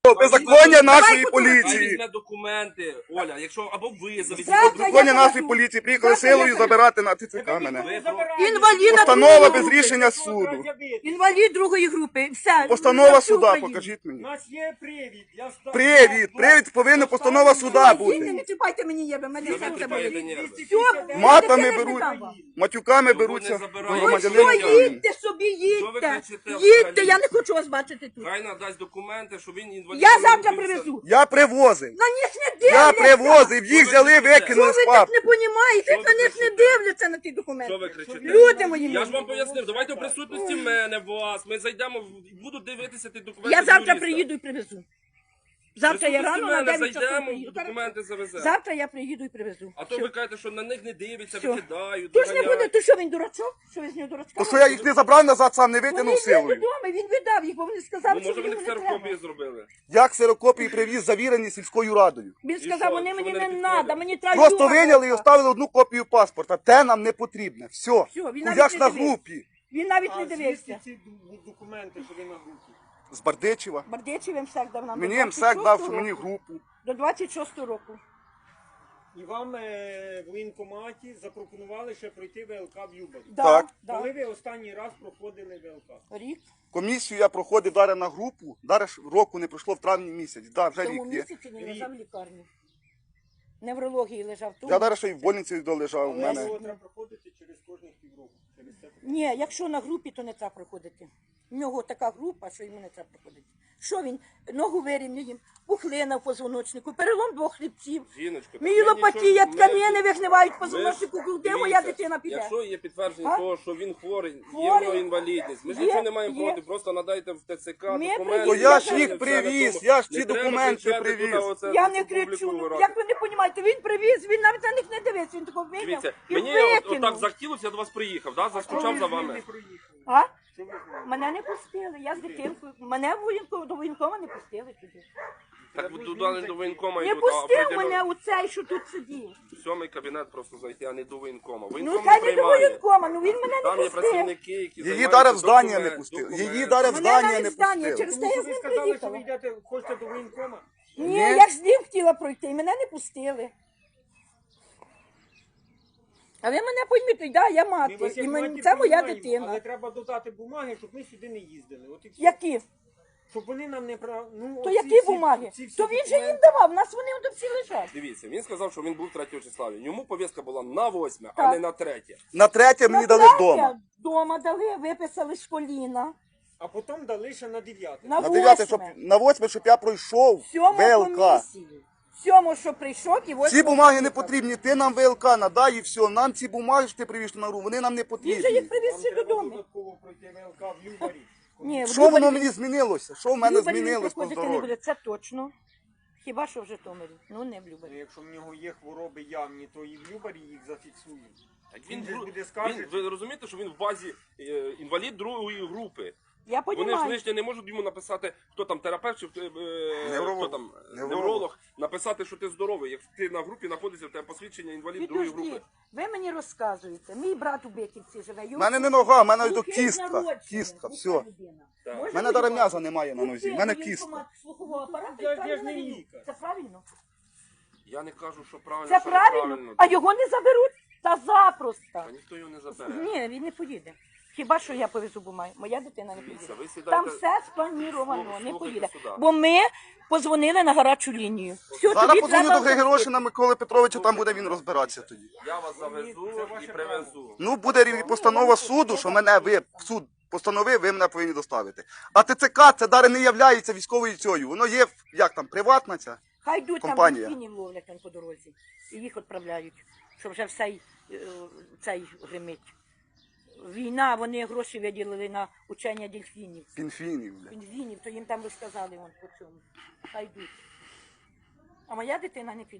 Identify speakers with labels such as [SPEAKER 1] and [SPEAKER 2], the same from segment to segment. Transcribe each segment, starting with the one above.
[SPEAKER 1] Беззаконня нашої
[SPEAKER 2] Хай
[SPEAKER 1] поліції.
[SPEAKER 2] візьме документи, Оля, якщо або ви завезіть
[SPEAKER 1] Беззаконня
[SPEAKER 2] документи.
[SPEAKER 1] нашої поліції. Приїхали силою забирати на ТЦК мене.
[SPEAKER 3] Інваліда
[SPEAKER 1] Постанова
[SPEAKER 3] другої
[SPEAKER 1] без
[SPEAKER 3] групи.
[SPEAKER 1] рішення суду.
[SPEAKER 3] Інвалід другої групи. Все.
[SPEAKER 1] Постанова
[SPEAKER 3] На всю
[SPEAKER 1] суда,
[SPEAKER 3] Україну.
[SPEAKER 1] покажіть
[SPEAKER 4] У
[SPEAKER 1] мені.
[SPEAKER 4] нас є привід.
[SPEAKER 1] Привід повинна постанова суда
[SPEAKER 3] Їдьте,
[SPEAKER 1] бути.
[SPEAKER 3] не чіпайте мені єби, мене
[SPEAKER 2] Ви
[SPEAKER 3] серце
[SPEAKER 2] чіпаєте
[SPEAKER 3] болить.
[SPEAKER 2] нерви.
[SPEAKER 3] Все,
[SPEAKER 1] Матами
[SPEAKER 3] я
[SPEAKER 1] беруть,
[SPEAKER 3] не дам.
[SPEAKER 1] матюками
[SPEAKER 2] Його
[SPEAKER 1] беруться
[SPEAKER 2] не
[SPEAKER 1] до
[SPEAKER 2] забирають.
[SPEAKER 3] Ви
[SPEAKER 1] громадянина
[SPEAKER 3] що,
[SPEAKER 1] України.
[SPEAKER 3] їдьте собі,
[SPEAKER 2] Що ви
[SPEAKER 3] їдьте.
[SPEAKER 2] кричите
[SPEAKER 3] Їдьте,
[SPEAKER 2] взагалі?
[SPEAKER 3] я не хочу вас бачити тут.
[SPEAKER 2] Хай надасть документи, що він інвалід.
[SPEAKER 3] Я завтра привезу.
[SPEAKER 1] Я привозив.
[SPEAKER 3] На них не
[SPEAKER 1] Я
[SPEAKER 3] дивляться.
[SPEAKER 1] привозив, їх взяли,
[SPEAKER 3] Що
[SPEAKER 1] викинули
[SPEAKER 3] ви
[SPEAKER 1] з
[SPEAKER 3] так
[SPEAKER 1] папки.
[SPEAKER 3] не розумієте?
[SPEAKER 2] Що ви
[SPEAKER 3] На них не
[SPEAKER 2] кричите?
[SPEAKER 3] дивляться на ті
[SPEAKER 2] Що
[SPEAKER 3] документи.
[SPEAKER 2] ви кричите?
[SPEAKER 3] Люди мої
[SPEAKER 2] Я ж
[SPEAKER 3] милі.
[SPEAKER 2] вам пояснив, давайте в присутності мене, вас. Ми зайдемо, будуть дивитися ті документи.
[SPEAKER 3] Я завтра
[SPEAKER 2] юриста.
[SPEAKER 3] приїду і привезу.
[SPEAKER 2] В
[SPEAKER 3] Завтра я
[SPEAKER 2] присутності
[SPEAKER 3] рано на
[SPEAKER 2] мене
[SPEAKER 3] 9 часов
[SPEAKER 2] зайдемо,
[SPEAKER 3] приїду.
[SPEAKER 2] документи завеземо.
[SPEAKER 3] Завтра я приїду і привезу.
[SPEAKER 2] А то
[SPEAKER 3] Все.
[SPEAKER 2] ви кажете, що на них не дивиться,
[SPEAKER 3] Все.
[SPEAKER 2] викидають,
[SPEAKER 3] То ж не буде,
[SPEAKER 2] доганяють.
[SPEAKER 3] то що він дурачок? Що ви з нього дурачка?
[SPEAKER 1] То що я їх не забрав назад, сам не
[SPEAKER 3] Вони
[SPEAKER 1] витягнув
[SPEAKER 3] йдуть
[SPEAKER 1] силою.
[SPEAKER 3] додому, він видав їх, бо вони сказали,
[SPEAKER 2] Ну,
[SPEAKER 3] що
[SPEAKER 2] може вони
[SPEAKER 3] мені не
[SPEAKER 2] ксерокопії
[SPEAKER 3] треба.
[SPEAKER 2] зробили.
[SPEAKER 1] Я ксерокопії привіз, завірені сільською радою.
[SPEAKER 3] Він
[SPEAKER 2] що?
[SPEAKER 3] сказав, вони
[SPEAKER 2] Що
[SPEAKER 3] мені
[SPEAKER 2] вони
[SPEAKER 3] не
[SPEAKER 2] не
[SPEAKER 3] треба,
[SPEAKER 2] підходять?
[SPEAKER 3] мені треба
[SPEAKER 1] Просто
[SPEAKER 3] Юра.
[SPEAKER 1] виняли і оставили одну копію паспорта. Те нам не потрібне. Все.
[SPEAKER 3] Все, він
[SPEAKER 1] Я
[SPEAKER 3] навіть
[SPEAKER 1] ж
[SPEAKER 3] не
[SPEAKER 1] на
[SPEAKER 3] дивився.
[SPEAKER 1] групі.
[SPEAKER 3] Він навіть
[SPEAKER 4] А
[SPEAKER 3] не дивився.
[SPEAKER 4] звідки ці документи, що ви на групі?
[SPEAKER 1] З Бардичева.
[SPEAKER 3] Бардечів МСЕК дав нам
[SPEAKER 1] Мені
[SPEAKER 3] до
[SPEAKER 1] МСЕК
[SPEAKER 3] 26-го
[SPEAKER 1] дав, що
[SPEAKER 3] року.
[SPEAKER 1] мені групу.
[SPEAKER 3] До 26-го року.
[SPEAKER 4] І вам в воєнкоматі запропонували ще пройти ВЛК в Любарі.
[SPEAKER 3] Да,
[SPEAKER 1] Так.
[SPEAKER 3] да.
[SPEAKER 4] Коли ви останній раз проходили ВЛК?
[SPEAKER 3] Рік.
[SPEAKER 1] Комісію я проходив далі на групу. Далі ж року не пройшло в травні місяць. Да,
[SPEAKER 3] В
[SPEAKER 1] вже
[SPEAKER 3] тому
[SPEAKER 1] рік є.
[SPEAKER 3] місяці він лежав в лікарні. Неврології лежав тут.
[SPEAKER 1] Я далі ще й в больниці долежав у
[SPEAKER 4] Але
[SPEAKER 1] мене.
[SPEAKER 4] його треба проходити через кожних півроку. Через це.
[SPEAKER 3] Ні, якщо на групі, то не треба проходити. У нього така група, що йому не треба проходити. Що він? Ногу вирівняє їм, пухлина в позвоночнику, перелом двох хребців.
[SPEAKER 2] Жіночко, так
[SPEAKER 3] Мієлопатія,
[SPEAKER 2] ми нічого-
[SPEAKER 3] тканини вигнивають в позвоночнику. Де
[SPEAKER 2] Дивіться,
[SPEAKER 3] моя дитина піде?
[SPEAKER 2] Якщо є підтвердження
[SPEAKER 3] А?
[SPEAKER 2] того, що він хворий, є в
[SPEAKER 3] Хворий.
[SPEAKER 2] нього інвалідність, ми ж
[SPEAKER 3] Є,
[SPEAKER 2] нічого не маємо
[SPEAKER 3] є.
[SPEAKER 2] проти, просто надайте в ТЦК
[SPEAKER 3] Ми
[SPEAKER 2] документи.
[SPEAKER 3] приїдемо.
[SPEAKER 1] То я ж
[SPEAKER 2] все
[SPEAKER 1] їх
[SPEAKER 2] на
[SPEAKER 1] привіз,
[SPEAKER 2] тому.
[SPEAKER 1] я ж
[SPEAKER 2] Не
[SPEAKER 1] ці
[SPEAKER 2] треба
[SPEAKER 1] документи
[SPEAKER 2] кричати
[SPEAKER 1] привіз.
[SPEAKER 2] туди, оце
[SPEAKER 3] Я
[SPEAKER 2] на
[SPEAKER 3] не
[SPEAKER 2] публіку
[SPEAKER 3] кричу. Ну,
[SPEAKER 2] вирати.
[SPEAKER 3] як ви не розумієте, він привіз, він навіть на них не дивився, він такого вийняв
[SPEAKER 2] Дивіться,
[SPEAKER 3] і
[SPEAKER 2] мені
[SPEAKER 3] викинув.
[SPEAKER 2] отак захотілося, я до вас приїхав, да? Заскучав за вами.
[SPEAKER 3] А? Мене не пустили, я з дитинкою. Мене до воєнкома не пустили туди.
[SPEAKER 2] Так ви туди до воєнкома
[SPEAKER 3] Не
[SPEAKER 2] йдуть, а
[SPEAKER 3] пустив
[SPEAKER 2] определенно
[SPEAKER 3] мене у цей, що тут сидів.
[SPEAKER 2] в сьомий кабінет просто зайти, а не до воєнкома.
[SPEAKER 3] Ну,
[SPEAKER 2] Воєнком
[SPEAKER 3] хай
[SPEAKER 2] не
[SPEAKER 3] не до
[SPEAKER 2] приймає.
[SPEAKER 3] воєнкома, ну він мене
[SPEAKER 2] Там
[SPEAKER 3] не
[SPEAKER 2] є
[SPEAKER 3] пустив.
[SPEAKER 2] працівники, які
[SPEAKER 1] Її
[SPEAKER 2] займаються
[SPEAKER 1] даром в здання не
[SPEAKER 2] документ-
[SPEAKER 1] пустили.
[SPEAKER 2] документ.
[SPEAKER 1] Її даром в
[SPEAKER 3] Мене
[SPEAKER 1] здання
[SPEAKER 3] навіть
[SPEAKER 1] не
[SPEAKER 3] здання,
[SPEAKER 1] пустили.
[SPEAKER 3] через те
[SPEAKER 4] Тому
[SPEAKER 3] я
[SPEAKER 4] що
[SPEAKER 3] з
[SPEAKER 4] ви
[SPEAKER 3] ним
[SPEAKER 4] сказали, що ви
[SPEAKER 3] приїхала.
[SPEAKER 4] йдете, хочете до воєнкома?
[SPEAKER 3] Ні, я ж з ним хотіла пройти, і мене не пустили. А ви мене пойміть, да, я
[SPEAKER 4] Ми
[SPEAKER 3] мати,
[SPEAKER 4] вас як
[SPEAKER 3] і
[SPEAKER 4] матір
[SPEAKER 3] це моя
[SPEAKER 4] приймаємо,
[SPEAKER 3] дитина.
[SPEAKER 4] Але треба додати бумаги, щоб ми сюди не їздили. От і все.
[SPEAKER 3] Які?
[SPEAKER 4] Щоб вони нам не прав... Ну,
[SPEAKER 3] То
[SPEAKER 4] оці
[SPEAKER 3] які
[SPEAKER 4] всі-
[SPEAKER 3] бумаги?
[SPEAKER 4] ці всі
[SPEAKER 3] То він же їм
[SPEAKER 4] документи.
[SPEAKER 3] давав, у нас вони от всі лежать.
[SPEAKER 2] Дивіться, він сказав, що він був 3 числа. Йому повістка була на 8, а
[SPEAKER 3] Так.
[SPEAKER 2] не на 3.
[SPEAKER 1] На третє мені дали вдома.
[SPEAKER 3] Дома дали, виписали з коліна.
[SPEAKER 4] А потім дали ще на 9.
[SPEAKER 3] На
[SPEAKER 1] На 9,
[SPEAKER 3] 8.
[SPEAKER 1] на 8, щоб я пройшов
[SPEAKER 3] Сьому
[SPEAKER 1] ВЛК.
[SPEAKER 3] комісії. Сьому, що прийшов, і ось...
[SPEAKER 1] Ці бумаги не потрібні, ти нам ВЛК надай і все. Нам ці бумаги, що ти привіз на гру, вони нам не
[SPEAKER 3] Він же
[SPEAKER 1] потрібні.
[SPEAKER 3] їх привіз
[SPEAKER 4] Вам
[SPEAKER 3] всі
[SPEAKER 4] треба
[SPEAKER 3] додому.
[SPEAKER 4] додатково пройти ВЛК в Любарі.
[SPEAKER 3] Ні, в
[SPEAKER 1] Що воно
[SPEAKER 3] Любарі-
[SPEAKER 1] мені змінилося? Що в мене
[SPEAKER 3] Любарі він
[SPEAKER 1] змінилось по
[SPEAKER 3] проходити не
[SPEAKER 1] здоров'ю?
[SPEAKER 3] буде, це точно. Хіба що в Житомирі, ну не в
[SPEAKER 4] Ну,
[SPEAKER 3] Любарі.
[SPEAKER 4] якщо в нього є хвороби явні, то і в Любарі їх зафіксують.
[SPEAKER 2] Так
[SPEAKER 4] Він же
[SPEAKER 2] гру-
[SPEAKER 4] буде скаржити.
[SPEAKER 2] ви розумієте, що він в базі інвалід другої групи.
[SPEAKER 3] Я
[SPEAKER 2] Вони ж
[SPEAKER 3] розумію.
[SPEAKER 2] лишнє не можуть йому написати, хто там терапевт чи
[SPEAKER 1] Невролог.
[SPEAKER 2] хто там
[SPEAKER 1] Невролог.
[SPEAKER 2] невролог, написати, що ти здоровий. Як ти на групі знаходишся, в тебе посвідчення інвалід другої групи.
[SPEAKER 3] Підожди, ви мені розказуєте, мій брат у Беківці живе.
[SPEAKER 1] У мене не нога, в мене
[SPEAKER 3] Глухий
[SPEAKER 1] кістка.
[SPEAKER 3] народжений,
[SPEAKER 1] Кістка,
[SPEAKER 3] глуха
[SPEAKER 1] все.
[SPEAKER 3] людина.
[SPEAKER 2] Так.
[SPEAKER 3] Може
[SPEAKER 1] У мене
[SPEAKER 3] бути
[SPEAKER 1] навіть м'яза
[SPEAKER 3] так?
[SPEAKER 1] немає на нозі, в
[SPEAKER 3] Глухий
[SPEAKER 1] мене
[SPEAKER 3] воєнкомат
[SPEAKER 1] кістка.
[SPEAKER 3] слухового апарату
[SPEAKER 4] Я
[SPEAKER 3] і
[SPEAKER 4] ж
[SPEAKER 3] правильно
[SPEAKER 4] не
[SPEAKER 3] не йду.
[SPEAKER 4] лікар.
[SPEAKER 3] Це правильно?
[SPEAKER 2] Я не кажу, що правильно,
[SPEAKER 3] Це
[SPEAKER 2] що
[SPEAKER 3] правильно?
[SPEAKER 2] неправильно.
[SPEAKER 3] А його не заберуть? Та запросто.
[SPEAKER 2] Та ніхто його не забере.
[SPEAKER 3] Ні, він не поїде. Хіба що я повезу бумаги? Моя дитина не
[SPEAKER 2] Дивіться,
[SPEAKER 3] поїде.
[SPEAKER 2] ви сідаєте-
[SPEAKER 3] Там все сплановано, не
[SPEAKER 2] Слухайте
[SPEAKER 3] поїде.
[SPEAKER 2] сюди.
[SPEAKER 3] Бо ми позвонили на гарячу лінію. Все,
[SPEAKER 1] Зараз
[SPEAKER 3] тобі
[SPEAKER 1] подзвоню
[SPEAKER 3] треба
[SPEAKER 1] до Григорошина Миколи Петровича, там буде він розбиратися тоді.
[SPEAKER 2] Я вас завезу і привезу.
[SPEAKER 1] Ну, буде постанова суду, що мене суд постановив, ви мене повинні доставити. А ТЦК це дари не являється військовою цією. Воно є, як там, приватна ця.
[SPEAKER 3] Хай йдуть
[SPEAKER 1] компанія.
[SPEAKER 3] там дельфінів ловлять там по дорозі. І їх відправляють, щоб вже цей гримить. Війна, вони гроші виділили на учення дельфінів.
[SPEAKER 1] Пінфінів, бля.
[SPEAKER 3] Пінгвінів, то їм там розказали вон по цьому. Хай йдуть. А моя дитина не піде.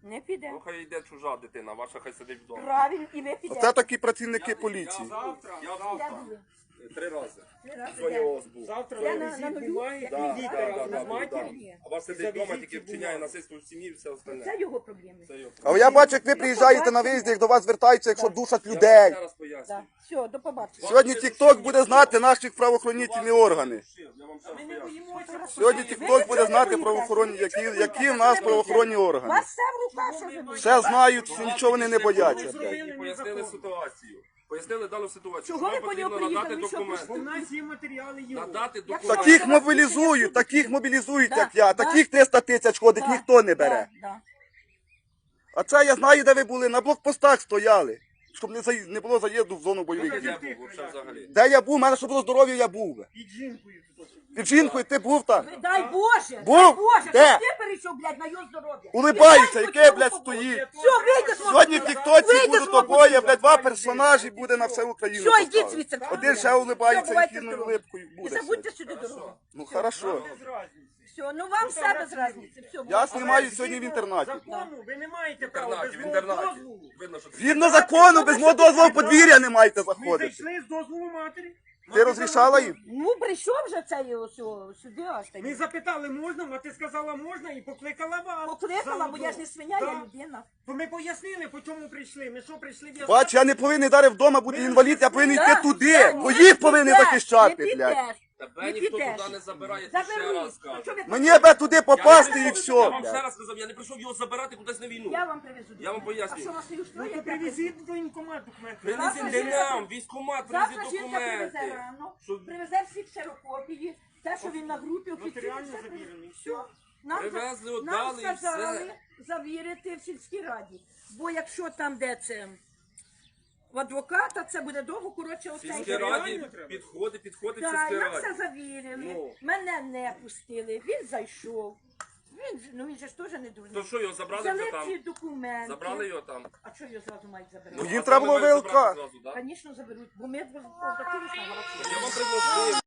[SPEAKER 3] Не піде.
[SPEAKER 2] Ну хай йде чужа дитина, ваша хай сидить вдома.
[SPEAKER 3] Правильно, і ви підете.
[SPEAKER 1] Оце такі працівники поліції.
[SPEAKER 4] Завтра,
[SPEAKER 2] Я
[SPEAKER 3] Де
[SPEAKER 2] завтра
[SPEAKER 3] були?
[SPEAKER 2] 3 рази.
[SPEAKER 3] Три рази
[SPEAKER 2] Сьогодні
[SPEAKER 3] де?
[SPEAKER 2] у вас був.
[SPEAKER 4] завтра
[SPEAKER 3] Я на
[SPEAKER 4] візит
[SPEAKER 3] нулю.
[SPEAKER 4] бумаги,
[SPEAKER 3] Да,
[SPEAKER 4] підіть
[SPEAKER 2] Да,
[SPEAKER 4] разом
[SPEAKER 2] да,
[SPEAKER 4] з
[SPEAKER 2] да,
[SPEAKER 4] матір'ю.
[SPEAKER 3] Ні.
[SPEAKER 2] А вас сидить
[SPEAKER 4] Завезіть
[SPEAKER 2] вдома, тільки
[SPEAKER 4] ці
[SPEAKER 2] вчиняє
[SPEAKER 4] бумаги.
[SPEAKER 2] насильство в сім'ї і все
[SPEAKER 3] Це
[SPEAKER 2] остальне.
[SPEAKER 3] його проблеми.
[SPEAKER 2] Це його.
[SPEAKER 1] А я бачу, як ви приїжджаєте на виїзд, як до вас звертаються, якщо душать
[SPEAKER 2] Я вам
[SPEAKER 1] людей.
[SPEAKER 2] ще раз поясню.
[SPEAKER 3] Так. Все, до побачення.
[SPEAKER 1] Сьогодні TikTok буде знати наші правоохоронні органи.
[SPEAKER 2] Я вам ще раз
[SPEAKER 4] Ми не
[SPEAKER 2] поясню.
[SPEAKER 4] боїмося.
[SPEAKER 1] Сьогодні TikTok буде знати правоохоронні, які в нас правоохоронні
[SPEAKER 3] У
[SPEAKER 1] органи.
[SPEAKER 3] вас все в руках, що ви будете.
[SPEAKER 1] Все знають, що нічого вони не бояться.
[SPEAKER 2] І пояснили ситуацію. Пояснили дану ситуацію.
[SPEAKER 3] Чого
[SPEAKER 2] Вам
[SPEAKER 3] ви по нього
[SPEAKER 2] потрібно надати
[SPEAKER 3] приїхали? Що
[SPEAKER 4] Бо в
[SPEAKER 2] документи.
[SPEAKER 4] нас є матеріали його.
[SPEAKER 2] Надати
[SPEAKER 3] Як
[SPEAKER 2] документи.
[SPEAKER 1] Таких мобілізують, як я. Таких 300 тисяч ходить, ніхто не бере.
[SPEAKER 3] Да.
[SPEAKER 1] А це я знаю, де ви були. На блокпостах стояли, щоб не було заїзду в зону бойових
[SPEAKER 2] Де
[SPEAKER 1] дій.
[SPEAKER 2] був вообще взагалі?
[SPEAKER 1] Де я був, у мене щоб було здоров'я, я був би.
[SPEAKER 4] Під жінкою тут.
[SPEAKER 1] Під жінкою ти був там.
[SPEAKER 3] Дай Боже,
[SPEAKER 1] Був?
[SPEAKER 3] дай Боже,
[SPEAKER 1] Де?
[SPEAKER 3] щоб ти перейшов, блядь, на його здоров'я.
[SPEAKER 1] Улибається,
[SPEAKER 3] І
[SPEAKER 1] яке,
[SPEAKER 3] дай
[SPEAKER 1] блядь,
[SPEAKER 3] Боже,
[SPEAKER 1] стоїть.
[SPEAKER 3] Все, вийди з мого
[SPEAKER 1] Сьогодні в
[SPEAKER 3] будинку.
[SPEAKER 1] Тіктоці
[SPEAKER 3] Вийди
[SPEAKER 1] будуть
[SPEAKER 3] з мого
[SPEAKER 1] обоє,
[SPEAKER 3] будинку.
[SPEAKER 1] блядь, два персонажі буде на всю Україну.
[SPEAKER 3] Все, йдіть
[SPEAKER 1] поставити.
[SPEAKER 3] звідси.
[SPEAKER 1] Один ще улибається
[SPEAKER 3] Все, бувайте
[SPEAKER 1] ефірною
[SPEAKER 3] здорові.
[SPEAKER 1] улипкою
[SPEAKER 3] І
[SPEAKER 1] буде.
[SPEAKER 3] забудьте сюди дорогу.
[SPEAKER 1] Ну хорошо.
[SPEAKER 4] Без разниці.
[SPEAKER 3] Все, ну вам все без разниці. Все,
[SPEAKER 1] Я
[SPEAKER 3] бувайте.
[SPEAKER 1] знімаю сьогодні в інтернаті.
[SPEAKER 4] Закону ви не маєте
[SPEAKER 2] В
[SPEAKER 4] права без
[SPEAKER 2] інтернаті, в
[SPEAKER 4] мого
[SPEAKER 2] інтернаті.
[SPEAKER 4] дозволу.
[SPEAKER 2] Видно, що це-
[SPEAKER 1] Згідно закону, без мого дозволу в подвір'я не маєте
[SPEAKER 4] Ми
[SPEAKER 1] заходити.
[SPEAKER 4] зайшли з дозволу матері.
[SPEAKER 1] Ти
[SPEAKER 4] Мати
[SPEAKER 1] розрішала
[SPEAKER 4] сказала,
[SPEAKER 1] їм?
[SPEAKER 3] Ну, прийшов вже цей ось сюди аж так.
[SPEAKER 4] Ми запитали, можна, мати сказала можна і покликала вас.
[SPEAKER 3] Покликала, бо я ж не свиня, я
[SPEAKER 4] Да.
[SPEAKER 3] людина.
[SPEAKER 4] То ми пояснили, по чому прийшли. Ми що прийшли в
[SPEAKER 1] Бач, я не повинен далі вдома бути інвалід, я повинен йти
[SPEAKER 3] Да,
[SPEAKER 1] туди,
[SPEAKER 3] да,
[SPEAKER 1] бо
[SPEAKER 3] не
[SPEAKER 1] їх повинен
[SPEAKER 3] підеш,
[SPEAKER 1] захищати,
[SPEAKER 3] не
[SPEAKER 1] блядь.
[SPEAKER 3] підеш.
[SPEAKER 2] Тебе
[SPEAKER 3] Не
[SPEAKER 2] ніхто
[SPEAKER 3] підеш.
[SPEAKER 2] туди не забирає, ти ще
[SPEAKER 3] Заберуть.
[SPEAKER 2] раз кажу.
[SPEAKER 3] Що ви
[SPEAKER 1] Мені аби туди попасти і
[SPEAKER 2] Я
[SPEAKER 1] все,
[SPEAKER 2] вам ще
[SPEAKER 1] блядь.
[SPEAKER 2] раз сказав, я не прийшов його забирати кудись на війну.
[SPEAKER 3] Я вам привезу.
[SPEAKER 2] Я вам поясню.
[SPEAKER 3] А що вас не
[SPEAKER 4] Ну
[SPEAKER 3] устроїть?
[SPEAKER 4] то
[SPEAKER 3] я
[SPEAKER 4] привезіть до воєнкомат документи.
[SPEAKER 2] Принесіть
[SPEAKER 3] Завтра
[SPEAKER 2] не
[SPEAKER 3] жінка-
[SPEAKER 2] нам, військкомат,
[SPEAKER 3] Завтра
[SPEAKER 2] принесіть
[SPEAKER 3] жінка привезе
[SPEAKER 2] документи.
[SPEAKER 3] рано,
[SPEAKER 2] Щоб-
[SPEAKER 3] привезе всі ксерокопії, те, що він на групі офіційно
[SPEAKER 4] Нотаріально
[SPEAKER 3] все
[SPEAKER 4] завірений.
[SPEAKER 3] Все. Нам,
[SPEAKER 2] Привезли,
[SPEAKER 3] нам
[SPEAKER 2] отдали і
[SPEAKER 3] сказали
[SPEAKER 2] все.
[SPEAKER 3] завірити в сільській раді. Бо якщо там, де це в адвоката, це буде довго, коротше,
[SPEAKER 2] В
[SPEAKER 3] оцей.
[SPEAKER 2] сільській раді
[SPEAKER 4] реально треба?
[SPEAKER 2] підходить в
[SPEAKER 3] Так,
[SPEAKER 2] сільській
[SPEAKER 3] нам все
[SPEAKER 2] раді.
[SPEAKER 3] завірили,
[SPEAKER 2] Ну.
[SPEAKER 3] мене не пустили, він зайшов. Він же ж теж не дурний.
[SPEAKER 2] То що, його забрали
[SPEAKER 3] Взяли
[SPEAKER 2] вже там?
[SPEAKER 3] ці документи.
[SPEAKER 2] Забрали його там?
[SPEAKER 3] А що його зразу мають забирати?
[SPEAKER 1] Ну, їм треба було
[SPEAKER 2] Забрали
[SPEAKER 1] ВЛК.
[SPEAKER 2] зразу, да?
[SPEAKER 3] Звісно, заберуть, бо ми обратились на голосу.
[SPEAKER 2] Я вам предложив.